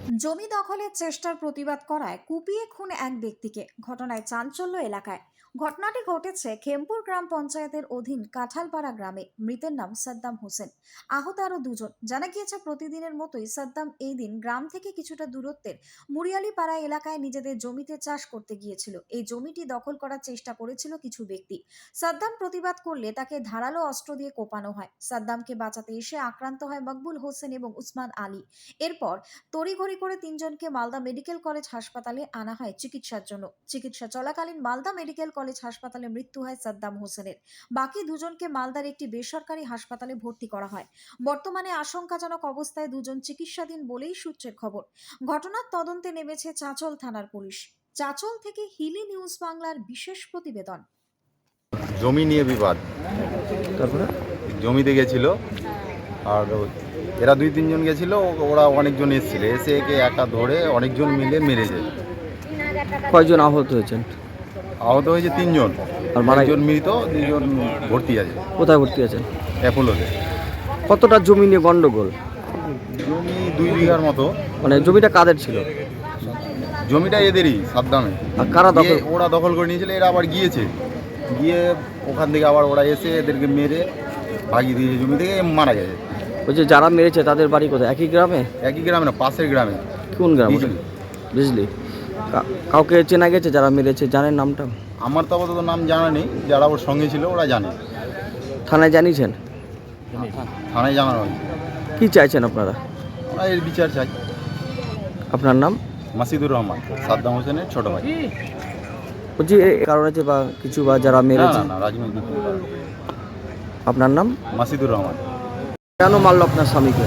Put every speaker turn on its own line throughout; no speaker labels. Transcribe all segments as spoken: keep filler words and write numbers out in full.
জমি দখলের চেষ্টার প্রতিবাদ করায় কুপিয়ে খুন এক ব্যক্তিকে, ঘটনায় চাঞ্চল্য এলাকায়। ঘটনাটি ঘটেছে খেমপুর গ্রাম পঞ্চায়েতের অধীন কাঁঠালপাড়া গ্রামে। মৃতের নাম সাদ্দাম হোসেন, আহত আরো দুজন। জানা গিয়েছে প্রতিদিনের মতোই সাদ্দাম এই দিন গ্রাম থেকে কিছুটা দূরত্বের মুরিয়ালিপাড়া এলাকায় নিজেদের জমিতে চাষ করতে গিয়েছিল। এই জমিটি দখল করার চেষ্টা করেছিল কিছু ব্যক্তি। সাদ্দাম প্রতিবাদ করলে তাকে ধারালো অস্ত্র দিয়ে কোপানো হয়। সাদ্দামকে বাঁচাতে এসে আক্রান্ত হয় মকবুল হোসেন এবং উসমান আলী। এরপর তড়িঘড়ি করে তিনজনকে মালদা মেডিকেল কলেজ হাসপাতালে আনা হয় চিকিৎসার জন্য। চিকিৎসা চলাকালীন মালদা মেডিকেল কলেজ হাসপাতালে মৃত্যু হয় সাদ্দাম হোসেনের। বাকি দুজনকে মালদার একটি বেসরকারি হাসপাতালে ভর্তি করা হয়। বর্তমানে আশঙ্কাজনক অবস্থায় দুজন চিকিৎসাধীন বলেই সূত্রের খবর। ঘটনার তদন্তে নেমেছে চাঁচল থানার পুলিশ। চাঁচল থেকে হিলি নিউজ বাংলার বিশেষ প্রতিবেদন।
জমি নিয়ে বিবাদ,
তারপরে
জমিতে গেছিল আর এরা দুই তিনজন গেছিল, ওরা অনেকজন এসেছিল, এসে একে একা ধরে অনেকজন মিলে মেরেছে।
কয়জন আহত হয়েছেন?
আহত হয়েছে তিনজন,
আর মারা
একজন মৃত, দুজন ভর্তি আছে
কোথায় ভর্তি আছেন?
অ্যাপোলোতে।
কতটা জমি নিয়ে গন্ডগোল?
জমি দুই বিঘার মতো।
মানে জমিটা কাদের ছিল?
জমিটা এদেরই, সাদ্দামে।
আর কারা দখল?
গিয়ে ওরা দখল করে নিয়েছিল, এরা আবার গিয়েছে, গিয়ে ওখান থেকে আবার ওরা এসে এদেরকে মেরে ভাগিয়ে দিয়েছে, জমি থেকে মারা গেছে।
ওই যে যারা মেরেছে তাদের বাড়ি কোথায়? একই গ্রামে?
একই গ্রামে না, পাশের গ্রামে।
কোন গ্রাম?
বিজলি।
বিজলি। কা- কাউকে চেনা গেছে যারা মেরেছে? জানেন নামটা?
আমার তো আপাতত নাম জানা নেই, যারা ওর সঙ্গে ছিল ওরা জানে।
থানায় জানিয়েছেন?
থানায় জানানো হয়েছে।
কি চাইছেন আপনারা?
আমরা এর বিচার চাই।
আপনার নাম?
মাসিদুর রহমান, সাদ্দাম হোসেনের ছোট ভাই।
বলছি এই কারণ আছে বা কিছু বা যারা
না
মেরেছে?
না না, রাজনৈতিক কোনো কারণ।
আপনার নাম?
মাসিদুর রহমান।
কেন মারলো আপনার স্বামীকে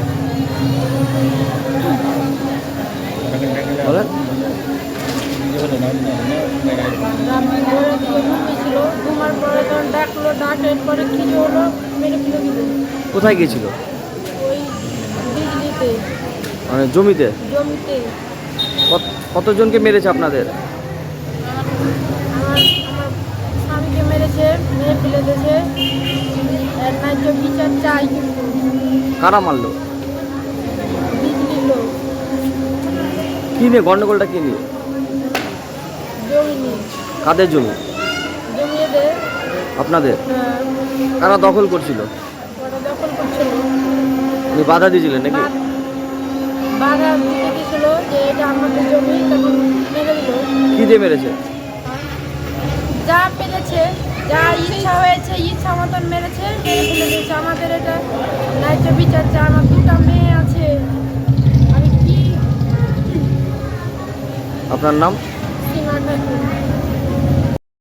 বলেন? কোথায় গিয়েছিল? মানে জমিতে? কত- কতজনকে মেরেছে আপনাদের?
আমার আমার স্বামীকে মেরেছে, মেরে ফেলে দিয়েছে। এর ন্যায্য বিচার চাই। কিন্তু
কারা মারলো?
বিজলির লোক,
কি নিয়ে গন্ডগোলটা? কি নিয়ে?
জমি নিয়ে।
কাদের জমি?
জমি এদের।
আপনাদের?
হ্যাঁ,
কারা দখল করছিল?
ওরা দখল করছিল।
আপনি বাধা দিয়েছিলেন নাকি?
বা- বাধা দিতে গেছিল যে এটা আমাদের জমি, তখন মেরে দিল।
কি দিয়ে মেরেছে?
যা পেরেছে, যা ইচ্ছা হয়েছে, ইচ্ছা মতন মেরেছে, মেরে ফেলে দিয়েছে। আমাদের এটা ন্যায্য বিচার চাই। আমার দুটা মেয়ে আছে, আমি কি
আপনার নাম?
সীমা খাতুন।